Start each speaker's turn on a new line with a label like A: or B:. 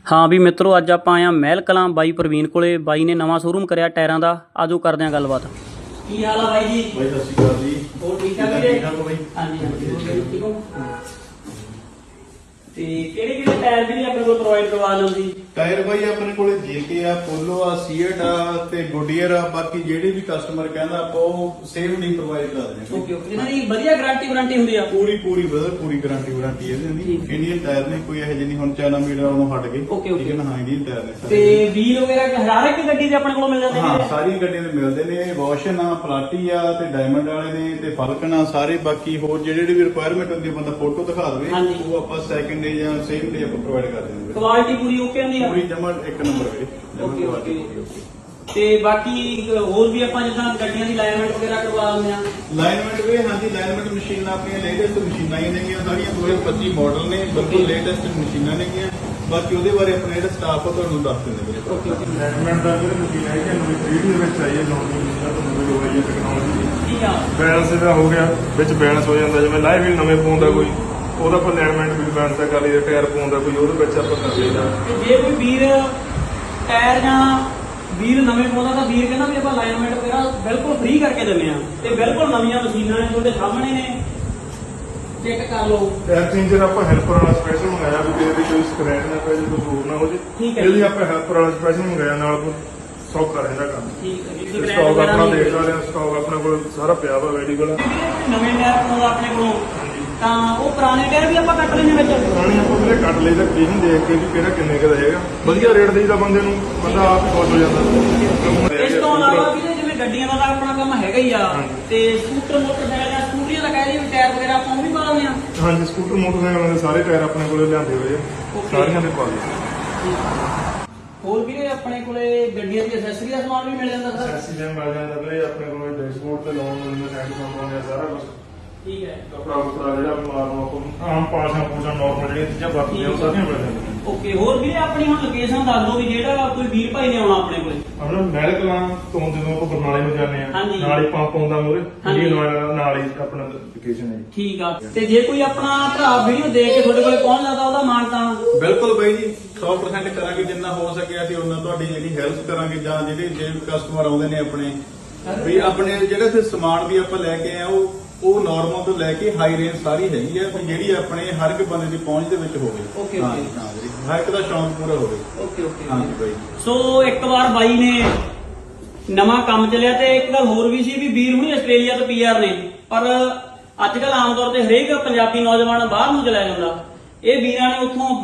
A: हाँ भी मित्रों अज आप आए महल कलां बाई प्रवीण कोले। बाई ने नवा शोरूम कराया टायरां दा। आजो करदे आं गलबात। की हाल है बाई जी?
B: भाई सत श्री अकाल जी।
A: ਹੋਰ ਠੀਕ ਠਾਕ ਵੀਰੇ?
B: ठीक ठाक हो भाई?
A: हाँ जी हाँ जी ठीक हो। ਤੇ ਕਿਹੜੇ ਕਿਹੜੇ ਟਾਇਰ ਵੀ ਆਪਣੇ ਕੋਲ ਪ੍ਰੋਵਾਈਡ ਕਰਵਾ ਲਓ ਜੀ?
B: टायर भाई अपने कोले जेके आ, पोलो आ, सीएट आ ते गुडियर आ। बाकी जेडे भी कस्टमर कहंदा आपां ਉਹ सेम नहीं प्रोवाइड कर देने।
A: ਓਕੇ ਓਕੇ ਇਹਨਾਂ ਦੀ ਵਧੀਆ ਗਾਰੰਟੀ ਵਾਰੰਟੀ ਹੁੰਦੀ ਆ?
B: पूरी पूरी ब्रदर पूरी गारंटी वारंटी है दी। इंडियन टायर ने कोई ਇਹੋ ਜਿਹੀ ਨਹੀਂ, ਹੁਣ ਚਾइना मेड वालों हट गए।
A: Okay, okay.
B: ठीक है ना। हाँ इंडियन टायर ने
A: ਤੇ ਵੀਲ ਵਗੈਰਾ ਹਰ ਇੱਕ ਗੱਡੀ ਦੇ ਆਪਣੇ ਕੋਲ ਮਿਲ ਜਾਂਦੇ
B: हाँ
A: ਨੇ?
B: ਸਾਰੀ ਗੱਡੀਆਂ ਦੇ ਮਿਲਦੇ ਨੇ। ਵਾਸ਼ਨ ਆ, ਪਲਾਟੀ ਆ ਤੇ ਡਾਇਮੰਡ ਵਾਲੇ ਨੇ ਤੇ ਫਲਕਨ ਆ ਸਾਰੇ। ਬਾਕੀ ਹੋਰ ਜਿਹੜੇ ਵੀ ਰਿਕੁਆਇਰਮੈਂਟ ਹੁੰਦੀ ਹੈ ਬੰਦਾ ਫੋਟੋ ਦਿਖਾ ਦੇਵੇ,
A: ਹਾਂਜੀ।
B: ਉਹ ਆਪਾਂ ਸੈਕਿੰਡ ਡੇ ਜਾਂ ਸੇਮ ਡੇ ਆਪਾਂ ਪ੍ਰੋਵਾਈਡ ਕਰ ਦਿੰਦੇ ਹਾਂ।
A: ਕੁਆਲਿਟੀ ਪੂਰੀ ਓਕੇ ਹੁੰਦੀ ਆ?
B: ਪੂਰੀ ਜਮਾ ਇੱਕ ਨੰਬਰ ਵੀਰੇ।
A: Okay okay. ਤੇ ਬਾਕੀ ਹੋਰ ਵੀ ਆਪਾਂ ਜਿੱਦਾਂ ਗੱਡੀਆਂ ਦੀ ਅਲਾਈਨਮੈਂਟ ਵਗੈਰਾ ਕਰਵਾ ਲੈਂਦੇ ਆ?
B: ਲਾਈਨਮੈਂਟ ਵੀ ਹਾਂਜੀ, ਲਾਈਨਮੈਂਟ ਮਸ਼ੀਨਾਂ ਆਪਣੀਆਂ ਲੇਟੈਸਟ ਮਸ਼ੀਨਾਂ ਹੀ ਨੇਗੀਆਂ ਸਾਰੀਆਂ। 2025 ਮਾਡਲ ਨੇ, ਬਿਲਕੁਲ ਲੇਟੈਸਟ ਮਸ਼ੀਨਾਂ ਨੇਗੀਆਂ। ਬਾਕੀ ਉਹਦੇ ਬਾਰੇ ਆਪਣਾ ਜਿਹੜਾ ਸਟਾਫ ਆ ਤੁਹਾਨੂੰ ਦੱਸ ਦਿੰਦੇ ਵੀਰੇ।
A: ਓਕੇ ਓਕੇ
B: ਲਾਈਨਮੈਂਟ ਦਾ ਵੀਰੇ ਮਸ਼ੀਨ ਹੈ ਕਿ ਨਵੀਂ 3D ਦੇ ਵਿੱਚ ਆਈ ਹੈ, ਨੌਨ ਮਸ਼ੀਨਾਂ ਤੋਂ ਨਵੀਂ ਟੈਕਨੋਲੋਜੀ।
A: ਠੀਕ ਆ।
C: ਬੈਲੈਂਸ ਇਹਦਾ ਹੋ ਗਿਆ, ਵਿੱਚ ਬੈਲੈਂਸ ਹੋ ਜਾਂਦਾ। ਜਿਵੇਂ ਲਾਈਵ ਵੀ ਨਵੇਂ ਫੋਨ ਦਾ ਕੋਈ ਉਹਦਾ ਆਪਾਂ ਅਲਾਈਨਮੈਂਟ ਵੀ ਬੈਲੈਂਸ ਕਰ ਲਈਦਾ। ਟਾਇਰ ਫੋਨ ਦਾ ਕੋਈ ਉਹਦੇ ਵਿੱਚ ਆਪਾਂ ਕਰ ਲਈਦਾ।
A: ਤੇ ਜੇ ਕੋਈ ਵੀਰ ਟਾਇਰ ਜਾਂ ਵੀਰ ਨਵੇਂ ਪਾਉਂਦਾ ਤਾਂ ਵੀਰ ਕਹਿੰਦਾ ਵੀ ਆਪਾਂ ਅਲਾਈਨਮੈਂਟ ਵਗੈਰਾ ਬਿਲਕੁਲ ਫ੍ਰੀ ਕਰਕੇ ਦਿੰਦੇ ਆ। ਤੇ ਬਿਲਕੁਲ ਨਵੀਆਂ ਮਸ਼ੀਨਾਂ ਨੇ ਤੁਹਾਡੇ ਸਾਹਮਣੇ ਨੇ, ਚੈੱਕ ਕਰ ਲਓ।
C: ਟਾਇਰ ਚੇਂਜਰ ਆਪਾਂ ਹੈਲਪਰ ਵਾਲਾ ਸਪੈਸ਼ਲ ਮੰਗਾਇਆ ਵੀ ਕਿਸੇ ਦੀ ਕੋਈ ਸਕ੍ਰੈਚ ਨਾ ਪੈ ਜੇ, ਕੋਈ ਹੋਰ ਨਾ ਹੋ ਜੇ।
A: ਠੀਕ ਹੈ
C: ਇਹਦੀ
A: ਜੀ।
C: ਆਪਾਂ ਹੈਲਪਰ ਵਾਲਾ ਸਪੈਸ਼ਲ ਮੰਗਾਇਆ, ਨਾਲ ਕੋਈ ਸੌਖਾ ਰਹਿੰਦਾ ਕੰਮ।
A: ਠੀਕ ਹੈ ਜੀ।
C: ਸਟਾਕ ਆਪਣਾ ਦੇਖ ਸਕਦੇ ਹਾਂ, ਸਟਾਕ ਆਪਣੇ ਕੋਲ ਸਾਰਾ ਪਿਆ ਵਾ ਅਵੇਲੇਬਲ।
A: ਨਵੇਂ ਟਾਇਰ ਪਾਉਂਦਾ ਆਪਣੇ ਕੋਲੋਂ ਤਾਂ ਉਹ ਪੁਰਾਣੇ ਟਾਇਰ ਵੀ ਆਪਾਂ ਕੱਟ ਲੈਣੇ ਵਿੱਚ?
C: ਪੁਰਾਣੀ ਆਪਾਂ ਵੀਰੇ ਕੱਟ ਲਈ ਤਾਂ ਕੰਡੀਸ਼ਨ ਦੇਖ ਕੇ ਵੀ ਕਿਹੜਾ ਕਿੰਨੇ ਕੁ ਦਾ ਹੈਗਾ। ਵਧੀਆ ਰੇਟ ਦੇਈਦਾ ਬੰਦੇ ਨੂੰ, ਬੰਦਾ ਆਪ ਹੀ ਖੁਸ਼ ਹੋ ਜਾਂਦਾ।
A: ਇਸ ਤੋਂ ਇਲਾਵਾ ਵੀ ਜਿਵੇਂ ਗੱਡੀਆਂ ਦਾ ਤਾਂ ਆਪਣਾ ਕੰਮ ਹੈਗਾ ਹੀ ਆ,
C: ਹਾਂਜੀ।
A: ਤੇ ਸਕੂਟਰ ਮੋਟਰਸਾਈਕਲ ਜਾਂ ਸਕੂਟਰੀਆਂ ਦਾ ਕਹਿ ਲਈ ਵੀ ਟਾਇਰ ਵਗੈਰਾ ਆਪਾਂ ਉਹ ਵੀ ਪਾ ਦਿੰਦੇ ਆ?
C: ਹਾਂਜੀ, ਸਕੂਟਰ ਮੋਟਰਸਾਈਕਲ ਦੇ ਸਾਰੇ ਟਾਇਰ ਆਪਣੇ ਕੋਲੇ ਲਿਆਂਦੇ ਹੋਏ ਆ, ਸਾਰੀਆਂ ਦੇ ਪਾ ਲਏ।
A: ਹੋਰ ਵੀਰੇ ਆਪਣੇ ਕੋਲੇ ਗੱਡੀਆਂ ਦੀ ਐਕਸੈਸਰੀ ਦਾ ਸਮਾਨ ਵੀ ਮਿਲ ਜਾਂਦਾ ਸਰ?
C: ਐਕਸੀਡੈਂਟ ਮਿਲ ਜਾਂਦਾ ਵੀਰੇ ਆਪਣੇ ਕੋਲ। ਡੈਸ਼ਬੋਰਡ ਤੇ ਲਾਉਣ ਨੂੰ ਸਾਈਡ ਕੰਪਾਉਂਦੇ ਆ ਸਾਰਾ ਕੁਝ।
A: ਠੀਕ ਹੈ।
C: ਕਪੜਾ ਕੁਪੜਾ ਜਿਹੜਾ ਮਾਰਨਾ ਆਪਾਂ ਆਮ ਪਾਸਾਂ ਪੂਸਾਂ ਨਾਰਮਲ ਜਿਹੜੀਆਂ ਚੀਜ਼ਾਂ ਵਰਤਦੇ ਆ ਉਹ ਸਾਰੀਆਂ ਮਿਲ ਜਾਂਦੀਆਂ।
A: ਓਕੇ। ਹੋਰ ਵੀਰੇ ਆਪਣੀ ਹੁਣ ਲੋਕੇਸ਼ਨ ਦੱਸ ਦਿਓ ਵੀ ਜਿਹੜਾ ਕੋਈ ਵੀਰ ਭਾਈ ਨੇ ਆਉਣਾ ਆਪਣੇ ਕੋਲੇ।
C: ਆਪਣਾ ਮਹਿਲ ਕਲਾਂ ਤੋਂ ਜਦੋਂ ਆਪਾਂ ਬਰਨਾਲੇ ਨੂੰ ਜਾਂਦੇ ਆ,
A: ਹਾਂਜੀ।
C: ਨਾਲ ਹੀ ਪੰਪ ਆਉਂਦਾ ਮੂਹਰੇ,
A: ਹਾਂਜੀ।
C: ਨਾਲ ਹੀ ਆਪਣਾ ਲੋਕੇਸ਼ਨ ਹੈ ਜੀ।
A: ਠੀਕ ਆ। ਤੇ ਜੇ ਕੋਈ ਆਪਣਾ ਭਰਾ ਵੀਡੀਓ ਦੇਖ ਕੇ ਤੁਹਾਡੇ ਕੋਲੇ ਪਹੁੰਚ ਜਾਂਦਾ ਉਹਦਾ ਮਾਣ ਤਾਣ?
B: ਬਿਲਕੁਲ ਬਾਈ ਜੀ 100% ਕਰਾਂਗੇ। ਜਿੰਨਾ ਹੋ ਸਕਿਆ ਅਸੀਂ ਉਹਨਾਂ ਤੁਹਾਡੀ ਜਿਹੜੀ ਹੈਲਪ ਕਰਾਂਗੇ। ਜਾਂ ਜਿਹੜੇ ਜੇ ਕਸਟਮਰ ਆਉਂਦੇ ਨੇ ਆਪਣੇ ਵੀ ਆਪਣੇ ਜਿਹੜੇ ਤੇ ਸਮਾਨ ਵੀ ਆਪਾਂ ਲੈ ਕੇ ਆਏ ਆ, ਉਹ ਨਾਰਮਲ ਤੋਂ ਲੈ ਕੇ ਹਾਈ ਰੇਂਜ ਸਾਰੀ ਹੈਗੀ ਆ ਵੀ ਜਿਹੜੀ ਆਪਣੇ ਹਰ ਇੱਕ ਬੰਦੇ ਦੀ ਪਹੁੰਚ ਦੇ ਵਿੱਚ ਹੋਵੇ।
A: ਓਕੇ,
B: ਹਾਂ
A: ਓਕੇ।
B: ਜੀ, ਹਾਂ ਜੀ, ਹਰ ਇੱਕ ਦਾ ਸ਼ੌਂਕ ਪੂਰਾ ਹੋਵੇ।
A: Okay okay.
B: ਹਾਂ ਜੀ ਬਾਈ।
A: ਸੋ ਇੱਕ ਵਾਰ ਬਾਈ ਨੇ ਨਵਾਂ ਕੰਮ ਚੱਲਿਆ। ਤੇ ਇੱਕ ਗੱਲ ਹੋਰ ਵੀ ਸੀ ਵੀ ਵੀਰ ਹੁਣੀ ਆਸਟ੍ਰੇਲੀਆ ਤੋਂ ਪੀਆਰ ਨੇ, ਪਰ ਅੱਜ ਕੱਲ ਆਮ ਤੌਰ ਤੇ ਹਰੇਕ ਪੰਜਾਬੀ ਨੌਜਵਾਨ ਬਾਹਰ ਨੂੰ ਚਲਾ ਜਾਂਦਾ। ਇਹ ਵੀਰਾਂ ਨੇ ਉੱਥੋਂ